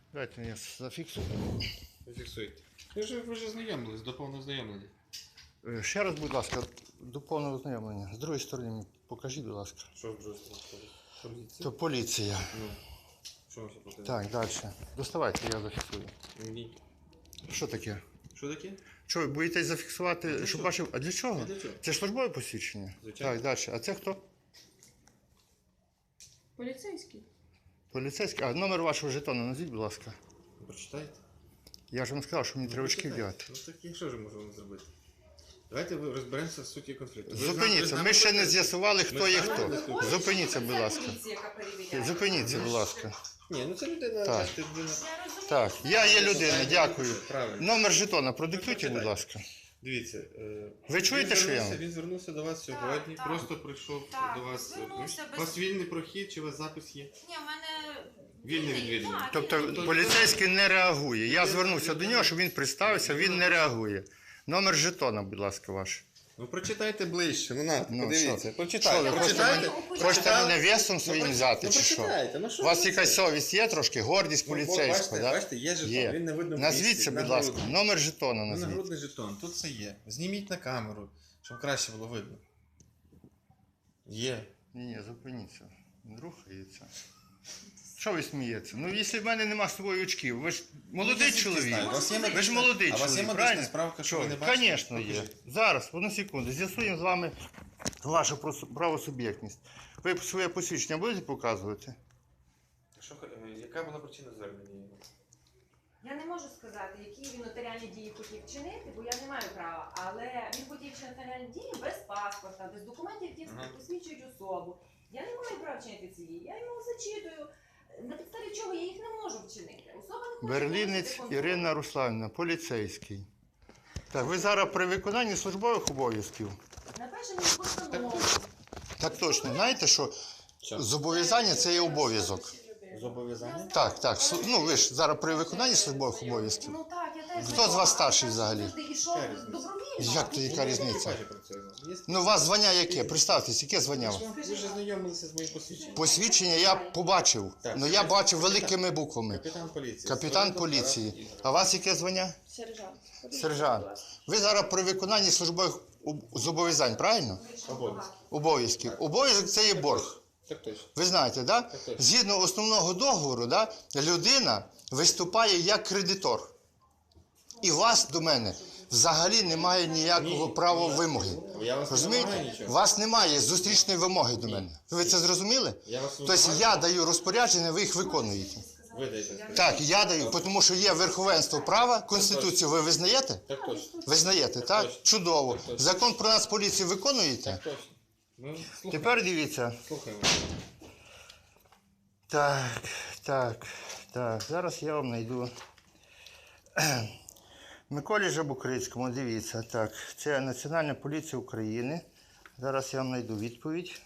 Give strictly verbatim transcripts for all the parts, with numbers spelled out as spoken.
Давайте я зафіксую. Зафіксуйте. Ви ж ви ж знайомились, до повного знайомлення. Е, Ще раз, будь ласка, до повного ознайомлення. З другої сторони мені покажіть, будь ласка. Що в другій стороні? Поліція? То поліція. Ну, що вам ще потрібно? Так, далі. Доставайте, я зафіксую. Ні. Що таке? Що таке? Що, ви боїтесь зафіксувати, для щоб чого? ваші... А для чого? А для чого? Це ж службове посвідчення? Звичайно. Так, далі. А це хто? Поліцейський. Поліцейський. А номер вашого жетону назвіть, будь ласка. Прочитайте. Я ж вам сказав, що мені треба очки вдягати. Ну так і що ж можемо зробити? Давайте ви розберемося в суті конфлікту. Ви з Зупиніться, нами- ми ще не будете- з'ясували, хто Ми є з нами хто. будемо спілкуватися? Зупиніться, будь ласка. Поліція, яка перевіряє. Зупиніться, будь ласка. Ні, ну це людина, Так. бачите, людина. Я розумію, Так, що я є це- людина, дякую. Правильно. Номер жетона продиктуйте, будь ласка. Дивіться, е, Ви чуєте, він що я звернувся- вам? Він звернувся до вас сьогодні, так. просто прийшов Так, до вас. звернувся У без- вас вільний прохід, чи у вас запис є? Ні, в мене... Вільний відвідувач. Так, Тобто вільний. поліцейський не реагує. Я звернувся до нього, щоб він представився, він не реагує. Номер жетона, будь ласка, ваш. Ну прочитайте ближче, ну на, Ну, подивіться. що? Прочитайте, Що ви, прочитайте. хочете Хочете мене весом своїм Ну, взяти, ну, чи що? прочитайте, ну, що У вас ви якась це? совість є трошки? Гордість Ну, поліцейського, бачите, так? бачите, є жетон, Є. він не видно в Назвіться, місці, будь ласка, нагрудний. номер жетона Ну, назвіть. нагрудний жетон, тут все є. Зніміть на камеру, щоб краще було видно. Є. Ні, ні, зупиніться. Він рухається. Що ви смієтеся? Ну, якщо в мене нема з собою очків, ви ж молодий Ну, я чоловік. знаю, у вас є Ви ж медична- молодий а у вас є чоловік, медична правильно? справка, що ви не бачите? Звісно, є. Покажіть. Зараз, одну секунду, з'ясуємо з вами вашу прос- правосуб'єктність. Ви своє посвідчення будете показувати? Що, е, яка була причина звернення? Я не можу сказати, які він нотаріальні дії хотів вчинити, бо я не маю права. Але він хотів вчинити нотаріальні дії без паспорта, без документів, які Ага. посвідчують особу. Я не маю права вчинити ці дії. Я йому зачитую, на підставі чого я їх не можу вчинити. Особа не хоче Берлінець виносити контроль. Ірина Руславівна, поліцейський. Так, ви зараз при виконанні службових обов'язків. Напише мені постанову. Так точно, знаєте, що Що? зобов'язання це є обов'язок. Зобов'язання? Так, так. су- Ну ви ж зараз при виконанні службових обов'язків. Ну так, я теж. Хто з вас старший взагалі? Завжди йшов Яка різниця? добровільно. Як то яка Ну, різниця? я бачу про це. Є? Ну, у вас звання яке? Представтесь, яке звання? Ви ж- Ви ж знайомилися з моїм посвідченням. Посвідчення я побачив, Так. але я бачив великими буквами. Капітан поліції. Капітан Свердлов поліції. Тарас А у вас яке звання? Сержант. Сержант. Ви зараз при виконанні службових об- зобов'язань, правильно? Обов'язки. Обов'язків. Обов'язок це є борг. Так точно. Ви знаєте, да? Так точно. Згідно основного договору, да, людина виступає як кредитор. І у вас до мене взагалі немає ніякого Ні, права ні. вимоги. Я вас не Розумієте? вимагаю У нічого. вас немає зустрічної вимоги до мене. Ви це зрозуміли? Я вас Тобто вимагаю. я даю розпорядження, ви їх виконуєте. Ви даєте. Так, я даю, тому що є верховенство права, Конституцію ви визнаєте? Так точно. Визнаєте, так? точно. Чудово. Так точно. Закон про Нацполіцію виконуєте? Так точно. Ми слухаємо. Тепер дивіться. Слухаємо. Так, так, так. Зараз я вам знайду. Миколі Жабукрицькому, дивіться, так. Це Національна поліція України. Зараз я вам знайду відповідь.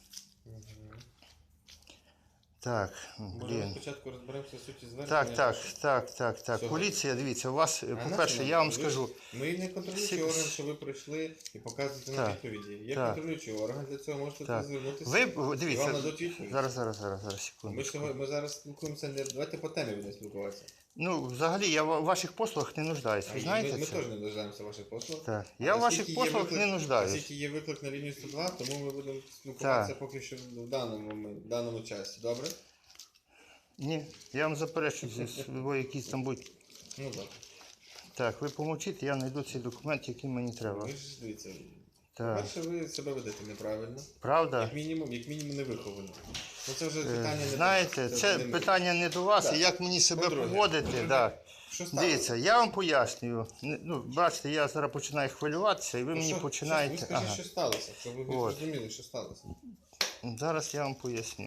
Так, Може, блін. спочатку розберемося в суті звернення? Так, так, так, так, так. Всього. Поліція, дивіться, у вас, А по-перше, нащо я вам нам? Ви- скажу. Ми не контролюючий Всі- орган, що ви прийшли і показуєте нам Так, відповіді. Є так. контролюючий орган, для цього можете Так. звернутися. Ви, і вам дивіться, дадуть відповідь. зараз, зараз, зараз, зараз, секунду. Ми, сьогодні, ми зараз спілкуємося, не, давайте по темі будемо спілкуватися. Ну, взагалі, я в ваших послугах не нуждаюсь, ви А, і знаєте ми, ми це? теж не нуждаємося в ваших послугах. Так. Я в Оскільки ваших є послугах виклик- не нуждаюсь. Оскільки є виклик на лінію сто два, тому ми будемо спілкуватися поки що в даному, момен- в даному часі. Добре? Ні, я вам заперечую, зі- ви якісь там будуть. Ну добре. Так, ви помовчіть, я знайду цей документ, який мені треба. Ви ж дивіться. Так. Перше, ви себе ведете неправильно. Правда? Як мінімум, як мінімум не виховано. Ну це вже Е, питання не Знаєте, до- це не ми. питання не до вас, Так. і як мені себе По-друге, поводити. по-друге, Да. Що сталося? Дивіться, я вам пояснюю. Не- Ну, бачите, я зараз починаю хвилюватися, і ви Ну, мені що- починаєте. Що, ви скажіть, Ага. що сталося, щоб ви От. зрозуміли, що сталося. Зараз я вам поясню.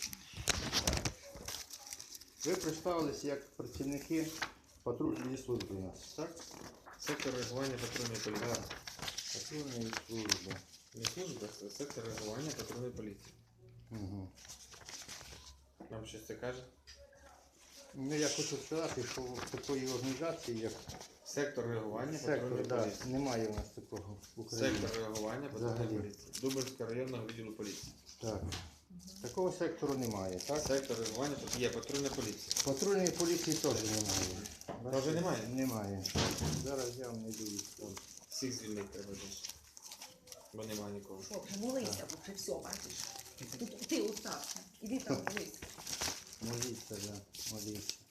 Ви представилися як працівники патрульної служби у нас, так? Сектор реагування патрульної поліції. Патрульної служби. Не служба, це сектор реагування патрульної поліції. Угу. Вам щось це каже? Ну, я хочу сказати, що в такої організації, як Сектор реагування сектор, патрульної да, поліції. немає у нас такого в Україні. Сектор реагування Взагалі. патрульної поліції. Дубинського районного відділу поліції. Так. Такого сектору немає, так? Сектор реагування тут є, патрульна поліція. Патрульної поліції теж немає. Теж немає? Немає. Зараз я вам не дивлюсь. Всіх звільнити треба десь. Бо немає нікого. Що, вже молися, бо вже все, бачиш. Тут ти остався. Іди там молись. Моліться, да, моліться.